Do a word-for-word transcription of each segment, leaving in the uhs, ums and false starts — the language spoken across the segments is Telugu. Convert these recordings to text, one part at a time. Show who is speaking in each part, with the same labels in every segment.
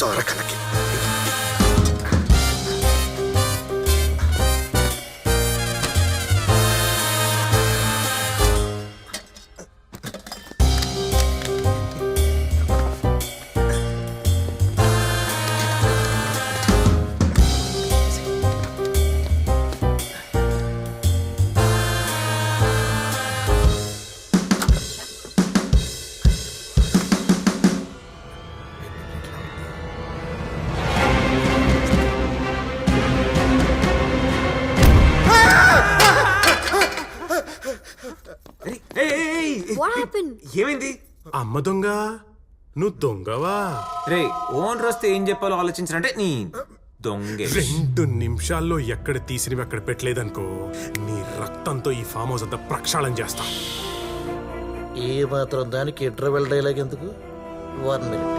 Speaker 1: చోరకలకి
Speaker 2: ఏమైంది?
Speaker 3: అమ్మ దొంగ, నువ్వు దొంగవా?
Speaker 2: రే ఓనర్ వస్తే ఏం చెప్పాలో ఆలోచించాలంటే నీ దొంగే.
Speaker 3: రెండు నిమిషాల్లో ఎక్కడ తీసినవి అక్కడ పెట్టలేదనుకో, నీ రక్తంతో ఈ ఫామ్ హౌస్ అంతా ప్రక్షాళన చేస్తా.
Speaker 1: ఏ మాత్రం దానికి ఇంటర్వెల్ డైలాగ్ ఎందుకు? One minute.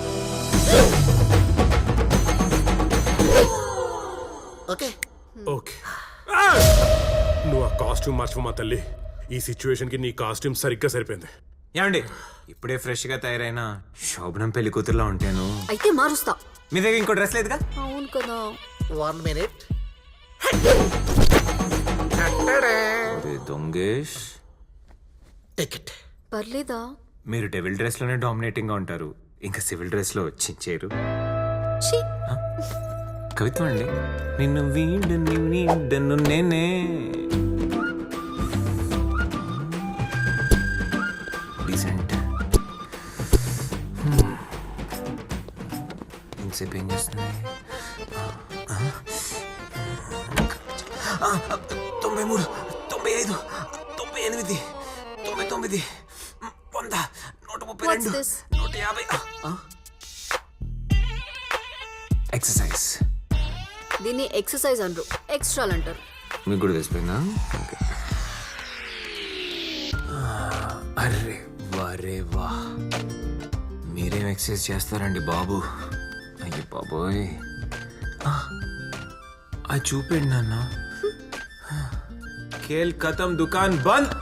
Speaker 1: ఓకే
Speaker 3: ఓకే, నువ్వు ఆ కాస్ట్యూమ్ మార్చుకోమా తల్లి. ఈ సిచ్యువేషన్ కి నీ కాస్ట్యూమ్ సరిగ్గా సరిపోయింది.
Speaker 2: ఏమండి, ఇప్పుడే ఫ్రెష్ గా తయారైన శోభనం పెళ్లి కూతురులా ఉంటాను.
Speaker 4: అయితే మారుస్తా.
Speaker 2: మీ దగ్గర ఇంకో డ్రెస్ లేదుగా?
Speaker 4: అవును కదా.
Speaker 1: One minute.
Speaker 2: దొంగేష్,
Speaker 1: టికెట్
Speaker 4: పర్లేదా?
Speaker 2: మీరు డెవిల్ డ్రెస్ లోనే డామినేటింగ్ గా ఉంటారు, ఇంకా సివిల్ డ్రెస్ లో చించారు. కవిత్వం అండి. నిన్ను వీడను వీడను నేనే. డీసెంట్. ఇంతసేపు ఏం చేస్తుంది? తొంభై మూడు, తొంభై ఐదు, తొంభై ఎనిమిది, తొంభై తొమ్మిది, వంద, నూట ముప్పై రెండు, నూట యాభై. ఎక్సర్సైజ్.
Speaker 4: దీన్ని ఎక్సర్సైజ్ అంటారు, ఎక్స్ట్రాలు అంటారు.
Speaker 2: మీకు కూడా తెలిసిపోయిందా? అరే వరే వా, మీరేం ఎక్సర్సైజ్ చేస్తారండి బాబు? అయ్యి బాబోయ్, అది చూపండి నాన్న. ఖేల్ ఖతం, దుకాన్ బంద్.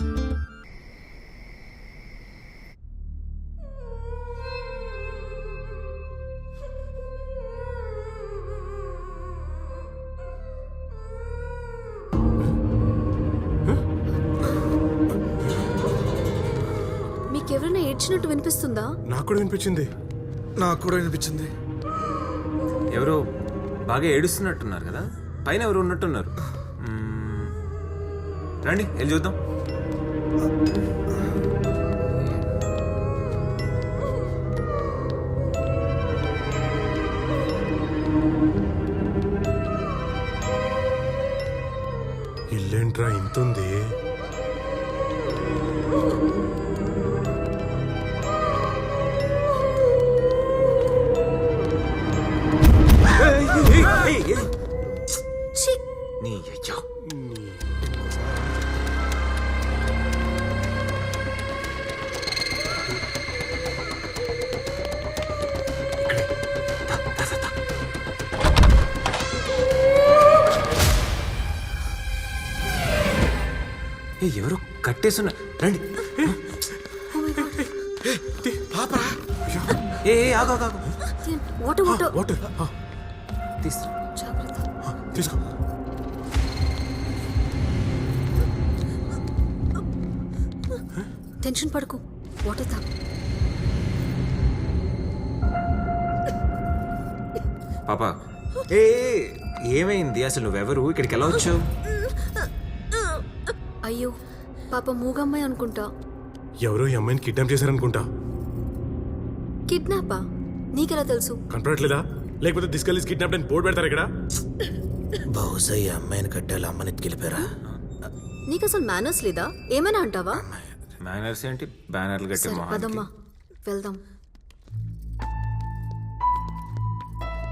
Speaker 4: మీకెవరైనా ఏడ్చినట్టు వినిపిస్తుందా?
Speaker 3: నాకు కూడా వినిపించింది.
Speaker 1: నాకు కూడా వినిపించింది.
Speaker 2: ఎవరో బాగా ఏడుస్తున్నట్టున్నారు కదా, పైన ఎవరు ఉన్నట్టున్నారు. మ్మ్. రండి వెళ్ళి చూద్దాం.
Speaker 3: ఇల్లేంట్రా ఇంతుంది?
Speaker 2: నీ అయ్యా, ఎవరు కట్టేస్తున్నా? రండి. ఏ ఆగు ఆగు ఆగు.
Speaker 4: వాటర్ వాటర్
Speaker 3: వాటర్
Speaker 2: తీసుకురా.
Speaker 4: జాగ్రత్త.
Speaker 3: తీసుకో.
Speaker 4: టెన్షన్ పడకు, వాటర్ తాగు.
Speaker 2: పాపా, ఏ ఏమైంది అసలు? నువ్వెవరు? ఇక్కడికి ఎలా వచ్చావు?
Speaker 4: అయ్యో పాప మూగమ్మాయి అనుకుంటా.
Speaker 3: ఎవరో ఈ అమ్మాయిని కిడ్నాప్ చేశారనుకుంటా.
Speaker 4: కిడ్నాపా? నీకెలా తెలుసు?
Speaker 3: కనపడట్లేదా? లేకపోతే తీసుకెళ్ళి కిడ్నాప్ అని బోర్డు పెడతారు ఇక్కడ.
Speaker 1: బహుశా ఈ అమ్మాయిని కట్టాలి, అమ్మని ఎత్తుకెళ్ళిపోయారా?
Speaker 4: నీకు అసలు మేనర్స్ లేదా? ఏమైనా అంటావా?
Speaker 2: మేనర్స్ ఏంటి? బ్యానర్లు కట్టే
Speaker 4: సరే
Speaker 2: మొహానికి.
Speaker 4: పదమ్మా వెళ్దాం.